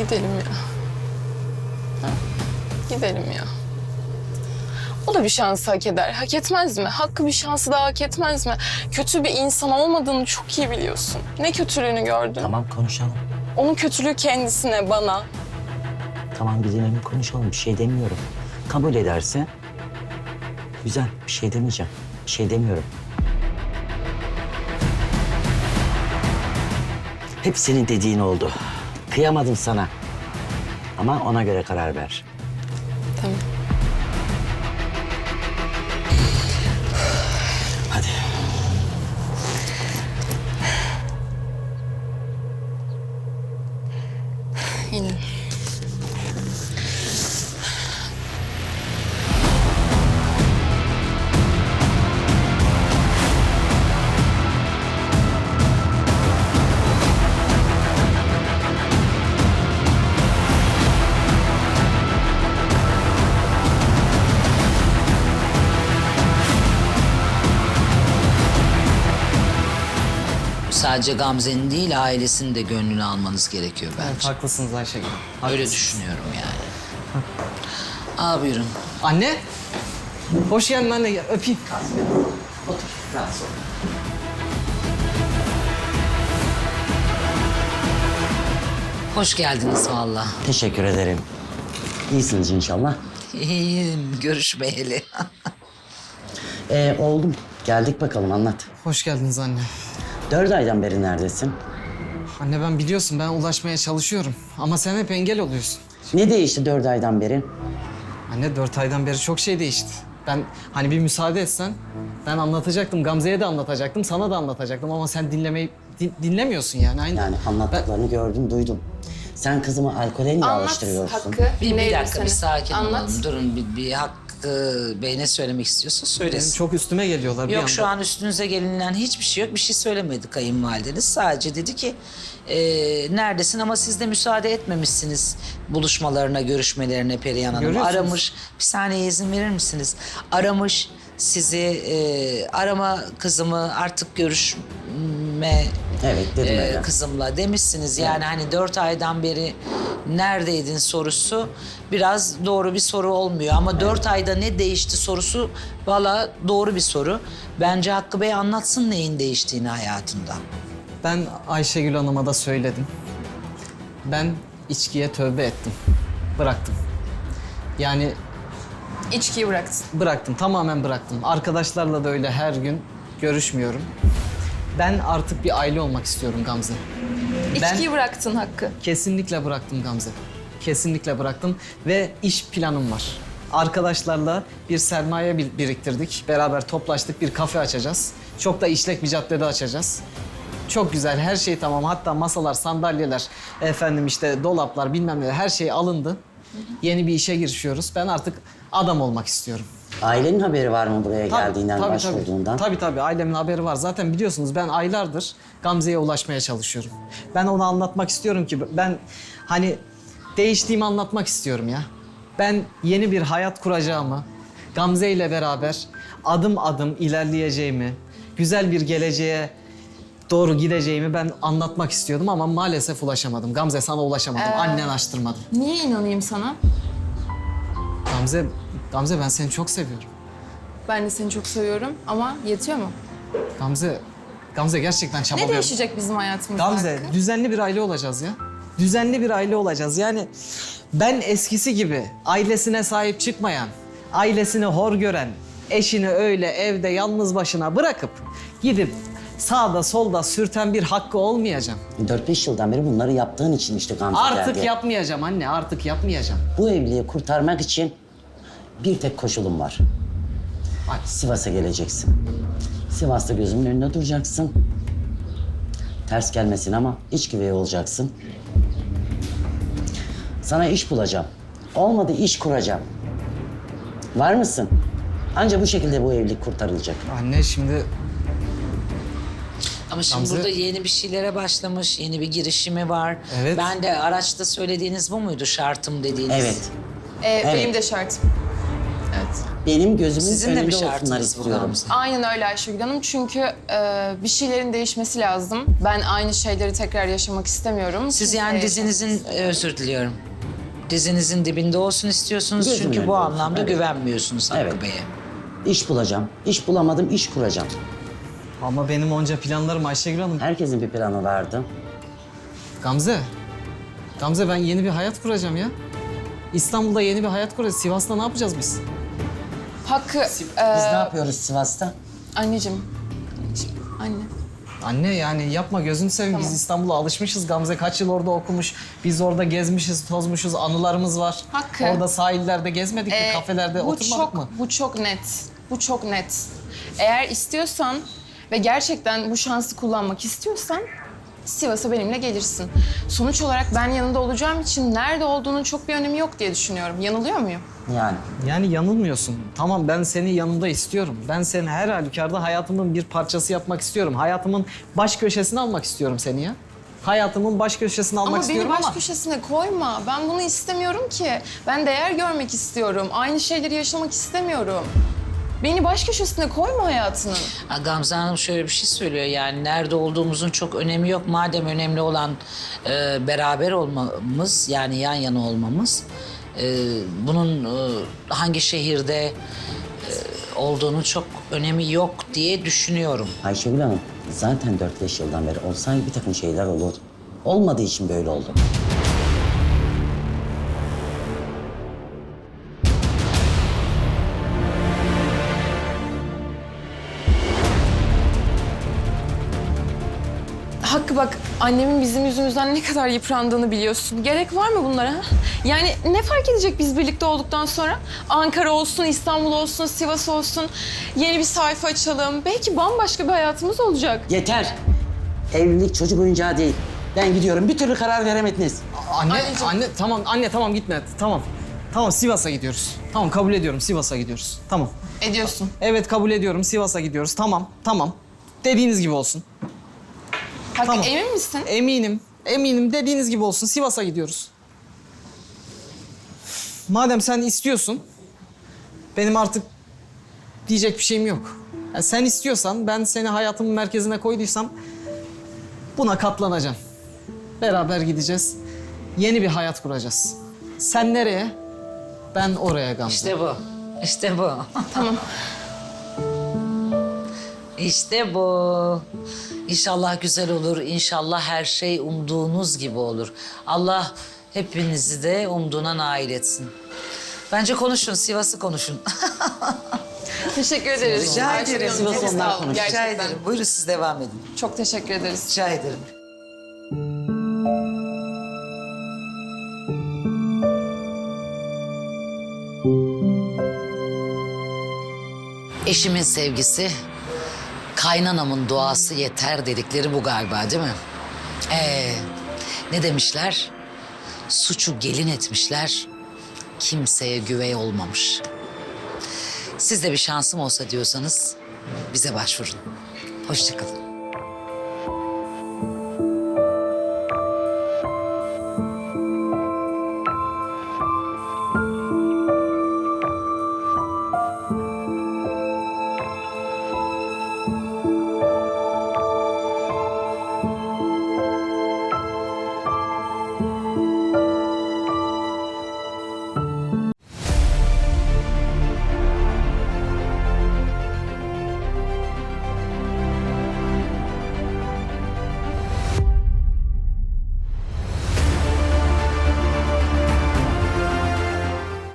Gidelim ya. Ha? Gidelim ya. O da bir şansı hak eder. Hak etmez mi? Hakkı bir şansı daha hak etmez mi? Kötü bir insan olmadığını çok iyi biliyorsun. Ne kötülüğünü gördün? Tamam konuşalım. Onun kötülüğü kendisine, bana. Tamam gidelim konuşalım. Bir şey demiyorum. Kabul ederse güzel. Bir şey demeyeceğim. Bir şey demiyorum. Hep senin dediğin oldu. Kıyamadım sana. Ama ona göre karar ver. Tamam. Hadi. İnin. Sadece Gamze'nin değil, ailesinin de gönlünü almanız gerekiyor Evet, bence. haklısınız Ayşegül. Öyle Haklısınız. düşünüyorum yani. Aa buyurun. Anne. Hoş geldin anne. Gel, öpeyim. Hoş geldiniz vallahi. Teşekkür ederim. İyisiniz inşallah. İyiyim, görüşmeyeli. Oldum. Geldik bakalım anlat. Hoş geldiniz anne. 4 aydan beri neredesin? Anne ben biliyorsun ben ulaşmaya çalışıyorum. Ama sen hep engel oluyorsun. Ne değişti 4 aydan beri? Anne 4 aydan beri çok şey değişti. Ben hani bir müsaade etsen ben anlatacaktım. Gamze'ye de anlatacaktım, sana da anlatacaktım. Ama sen dinlemiyorsun yani. Aynı. Yani anlattıklarını gördüm, duydum. Sen kızımı alkole mi Anlat alıştırıyorsun? Hakkı. Bir dinleyelim dakika, seni. bir sakin Anlat. olalım. Durun, bir Hakkı Bey ne söylemek istiyorsa Benim söylesin. çok üstüme geliyorlar bir Yok anda. şu an üstünüze gelinen hiçbir şey yok. Bir şey söylemedi kayınvalideniz. Sadece dedi ki neredesin ama siz de müsaade etmemişsiniz buluşmalarına, görüşmelerine Perihan Hanım. Görüyorsunuz. Aramış. Bir saniye izin verir misiniz? Aramış sizi, arama kızımı artık görüşme Evet, dedim öyle. kızımla demişsiniz. Yani hani 4 aydan beri neredeydin sorusu biraz doğru bir soru olmuyor. Ama 4 ayda ne değişti sorusu valla doğru bir soru. Bence Hakkı Bey anlatsın neyin değiştiğini hayatında. Ben Ayşegül Hanım'a da söyledim. Ben içkiye tövbe ettim. Bıraktım. Yani İçkiyi bıraktın. bıraktım, tamamen bıraktım. Arkadaşlarla da öyle her gün görüşmüyorum. Ben artık bir aile olmak istiyorum Gamze. İçkiyi bıraktın Hakkı. Kesinlikle bıraktım Gamze. Kesinlikle bıraktım ve iş planım var. Arkadaşlarla bir sermaye biriktirdik. Beraber toplaştık, bir kafe açacağız. Çok da işlek bir caddede açacağız. Çok güzel, her şey tamam. Hatta masalar, sandalyeler, efendim işte dolaplar bilmem ne her şey alındı. Yeni bir işe girişiyoruz. Ben artık adam olmak istiyorum. Ailenin haberi var mı buraya geldiğinden, tabii, başvurduğundan? Tabii ailemin haberi var. Zaten biliyorsunuz ben aylardır Gamze'ye ulaşmaya çalışıyorum. Ben ona anlatmak istiyorum ki ben hani değiştiğimi anlatmak istiyorum ya. Ben yeni bir hayat kuracağımı, Gamze ile beraber adım adım ilerleyeceğimi, güzel bir geleceğe doğru gideceğimi ben anlatmak istiyordum ama maalesef ulaşamadım. Gamze sana ulaşamadım. Annen açtırmadı. Niye inanayım sana? Gamze ben seni çok seviyorum. Ben de seni çok seviyorum ama yetiyor mu? Gamze gerçekten Ne çabalıyorum. değişecek bizim hayatımızda Gamze, Hakkı? düzenli bir aile olacağız ya. Düzenli bir aile olacağız. Yani ben eskisi gibi ailesine sahip çıkmayan, ailesini hor gören, eşini öyle evde yalnız başına bırakıp gidip sağda solda sürten bir Hakkı olmayacağım. 4-5 yıldan beri bunları yaptığın için işte Gamze Artık geldi. yapmayacağım anne, artık yapmayacağım. Bu evliliği kurtarmak için bir tek koşulum var. Ay. Sivas'a geleceksin. Sivas'ta gözümün önünde duracaksın. Ters gelmesin ama iç güvey olacaksın. Sana iş bulacağım. Olmadı iş kuracağım. Var mısın? Anca bu şekilde bu evlilik kurtarılacak. Anne şimdi Ama şimdi Gamze- burada yeni bir şeylere başlamış, yeni bir girişimi var. Evet. Ben de araçta söylediğiniz bu muydu şartım dediğiniz? Evet. Benim de şartım. Evet. benim gözümün Sizin de bir önünde olsunlar şartınız bu istiyorum. Gamze. Aynen öyle Ayşegül Hanım. Çünkü bir şeylerin değişmesi lazım. Ben aynı şeyleri tekrar yaşamak istemiyorum. Siz Kimseye yani dizinizin, özür diliyorum. Dizinizin dibinde olsun istiyorsunuz Gözümün çünkü önünde bu olsun, anlamda evet. güvenmiyorsunuz Hakkı Evet. Bey'e. İş bulacağım. İş bulamadım, iş kuracağım. Ama benim onca planlarım Ayşegül Hanım. Herkesin bir planı vardı. Gamze. Gamze ben yeni bir hayat kuracağım ya. İstanbul'da yeni bir hayat kuracağız. Sivas'ta ne yapacağız biz? Hakkı, Biz ne yapıyoruz Sivas'ta? anneciğim. Anne. Anne yani yapma gözünü seveyim. Biz İstanbul'a alışmışız. Gamze kaç yıl orada okumuş. Biz orada gezmişiz, tozmuşuz. Anılarımız var. Hakkı. Orada sahillerde gezmedik mi? Kafelerde bu oturmadık çok, mı? Bu çok net. Bu çok net. Eğer istiyorsan ve gerçekten bu şansı kullanmak istiyorsan Sivas'a benimle gelirsin. Sonuç olarak ben yanında olacağım için nerede olduğunun çok bir önemi yok diye düşünüyorum. Yanılıyor muyum? Yani. Yani yanılmıyorsun. Tamam ben seni yanımda istiyorum. Ben seni her halükarda hayatımın bir parçası yapmak istiyorum. Hayatımın baş köşesine almak istiyorum seni ya. Hayatımın baş köşesine almak Ama beni istiyorum baş ama... köşesine koyma. Ben bunu istemiyorum ki. Ben değer görmek istiyorum. Aynı şeyleri yaşamak istemiyorum. Beni baş köşesine koyma hayatının. Ha, Gamze Hanım şöyle bir şey söylüyor yani nerede olduğumuzun çok önemi yok. Madem önemli olan beraber olmamız yani yan yana olmamız. Bunun hangi şehirde olduğunu çok önemi yok diye düşünüyorum. Ayşegül Hanım, zaten 4-5 yıldan beri olsaydı bir takım şeyler olurdu. Olmadığı için böyle oldu. Hakkı bak, annemin bizim yüzümüzden ne kadar yıprandığını biliyorsun. Gerek var mı bunlara? Ha? Yani ne fark edecek biz birlikte olduktan sonra? Ankara olsun, İstanbul olsun, Sivas olsun. Yeni bir sayfa açalım. Belki bambaşka bir hayatımız olacak. Yeter! Evlilik çocuk oyuncağı değil. Ben gidiyorum. Bir türlü karar veremediniz. Anne tamam gitme. Tamam. Tamam Sivas'a gidiyoruz. Tamam kabul ediyorum Sivas'a gidiyoruz. Tamam. Ediyorsun. Evet kabul ediyorum Sivas'a gidiyoruz. Tamam. Dediğiniz gibi olsun. Hakkı Tamam. emin misin? Eminim dediğiniz gibi olsun. Sivas'a gidiyoruz. Madem sen istiyorsun, benim artık diyecek bir şeyim yok. Yani sen istiyorsan, ben seni hayatımın merkezine koyduysam buna katlanacağım. Beraber gideceğiz. Yeni bir hayat kuracağız. Sen nereye? Ben oraya Gamze. İşte bu. İşte bu. Tamam. İşte bu. İnşallah güzel olur. İnşallah her şey umduğunuz gibi olur. Allah hepinizi de umduğuna nail etsin. Bence konuşun, Sivas'ı konuşun. Teşekkür ederiz. Rica Ayşegül ederim. Hanım, çok Sivas sağ onlar olun. konuşsun. Rica Gerçekten. ederim. Buyurun siz devam edin. Çok teşekkür ederiz. Rica ederim. Eşimin sevgisi, kaynanamın duası yeter dedikleri bu galiba değil mi? Ne demişler? Suçu gelin etmişler, kimseye güvey olmamış. Siz de bir şansım olsa diyorsanız bize başvurun. Hoşça kalın.